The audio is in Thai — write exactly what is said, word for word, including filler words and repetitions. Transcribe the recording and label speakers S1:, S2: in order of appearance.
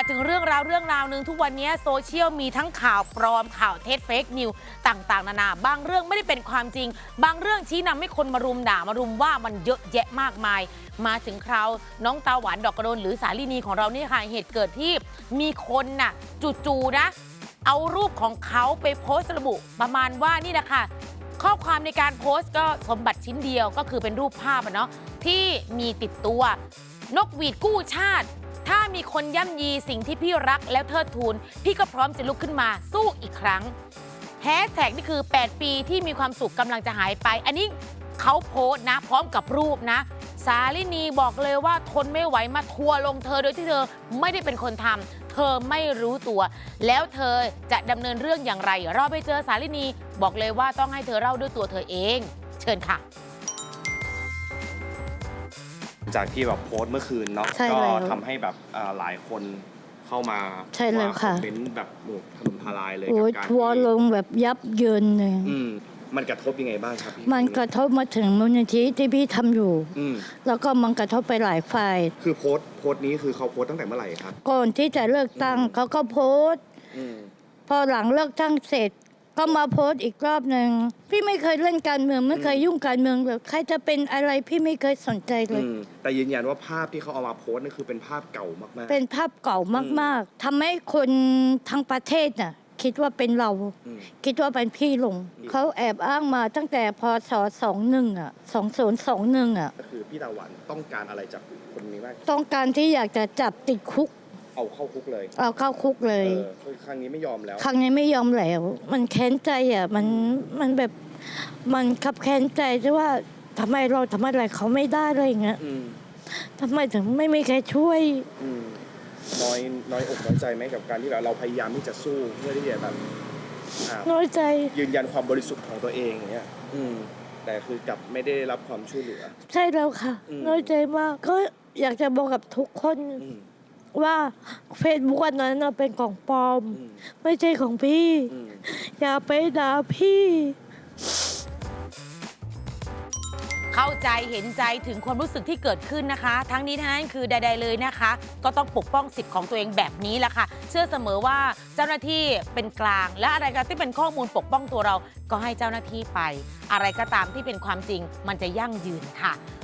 S1: ถึงเรื่องราวเรื่องราวหนึ่งทุกวันนี้โซเชียลมีทั้งข่าวปลอมข่าวเท็จเฟกนิวต่างๆนานาบางเรื่องไม่ได้เป็นความจริงบางเรื่องชี้นำให้คนมารุมด่ามารุมว่ามันเยอะแยะมากมายมาถึงคราวน้องตาหวานดอกกระโดนหรือสาลินีของเรานี่ค่ะเหตุเกิดที่มีคนน่ะจู่ๆนะเอารูปของเขาไปโพสต์ระบุประมาณว่านี่แหละค่ะข้อความในการโพสต์ก็สมบัติชิ้นเดียวก็คือเป็นรูปภาพอะเนาะที่มีติดตัวนกหวีดกู้ชาติถ้ามีคนย่ำยีสิ่งที่พี่รักแล้วเทิดทูนพี่ก็พร้อมจะลุกขึ้นมาสู้อีกครั้งแฮชแท็กนี่คือแปดปีที่มีความสุขกำลังจะหายไปอันนี้เขาโพสต์นะพร้อมกับรูปนะสาลินีบอกเลยว่าทนไม่ไหวมาทัวร์ลงเธอโดยที่เธอไม่ได้เป็นคนทำเธอไม่รู้ตัวแล้วเธอจะดำเนินเรื่องอย่างไรเราไปเจอสาลินีบอกเลยว่าต้องให้เธอเล่าด้วยตัวเธอเองเชิญค่ะ
S2: จากที่แบบโพสต์เมื่อคืนเนาะก็ทำให้แบบหลายคนเข้ามา
S3: ใช่แล้วค่ะ
S2: เป็นแบบหมู่ถล่มทลายเลย
S3: กับการทัวร์ลงแบบยับเยินเลย
S2: มันกระทบยังไงบ้างครับพี่
S3: มันกระทบมาถึงมูลนิธิที่พี่ทำอยู่แล้วก็มันกระทบไปหลายฝ่าย
S2: คือโพสต์โพสต์นี้คือเขาโพสต์ตั้งแต่เมื่อไหร่ครับ
S3: ก่อนที่จะเลิกตั้งเขาก็โพสต์พอหลังเลิกตั้งเสร็จก็มาโพสต์อีกรอบหนึ่งพี่ไม่เคยเล่นการเมืองไม่เคยยุ่งการเมืองเลยใครจะเป็นอะไรพี่ไม่เคยสนใจเลย
S2: แต่ยืนยันว่าภาพที่เขาเอามาโพสต์นั่นคือเป็นภาพเก่ามาก
S3: ๆเป็นภาพเก่ามากๆทำให้คนทั้งประเทศน่ะคิดว่าเป็นเราคิดว่าเป็นพี่ลงเขาแอบอ้างมาตั้งแต่พศสองหนึ่งอ่ะสองศูนย์สองหนึ่งอ่ะ
S2: ก็คือพี่ตาหวานต้องการอะไรจากคนนี้บ้าง
S3: ต้องการที่อยากจะจับติดคุก
S2: เอาเข้าคุกเลย
S3: เอาเข้าคุกเลย
S2: ครั้งนี้ไม่ยอมแล้ว
S3: ครั้งนี้ไม่ยอมแล้วมันแค้นใจอ่ะมันมันแบบมันขับแค้นใจที่ว่าทำไมเราทำอะไรเขาไม่ได้อะไรอย่างเงี้ยทำไมถึงไม่มีใครช่วย
S2: น้อยน้อยอกน้อยใจไหมกับการที่แบบเราพยายามที่จะสู้เพื่อที่จะแบบ
S3: น้อยใจ
S2: ยืนยันความบริสุทธิ์ของตัวเองอย่างเงี้ยแต่คือกลับไม่ได้รับความช่วยเหลือ
S3: ใช่แล้วค่ะน้อยใจมากก็อยากจะบอกกับทุกคนว่าเฟซบุ๊กอันนั้นเป็นของปลอมไม่ใช่ของพี่อย่าไปด่าพี่
S1: เข้าใจเห็นใจถึงความรู้สึกที่เกิดขึ้นนะคะทั้งนี้ทั้งนั้นคือใดๆเลยนะคะก็ต้องปกป้องสิทธิ์ของตัวเองแบบนี้แหละค่ะเชื่อเสมอว่าเจ้าหน้าที่เป็นกลางและอะไรก็ที่เป็นข้อมูลปกป้องตัวเราก็ให้เจ้าหน้าที่ไปอะไรก็ตามที่เป็นความจริงมันจะยั่งยืนค่ะ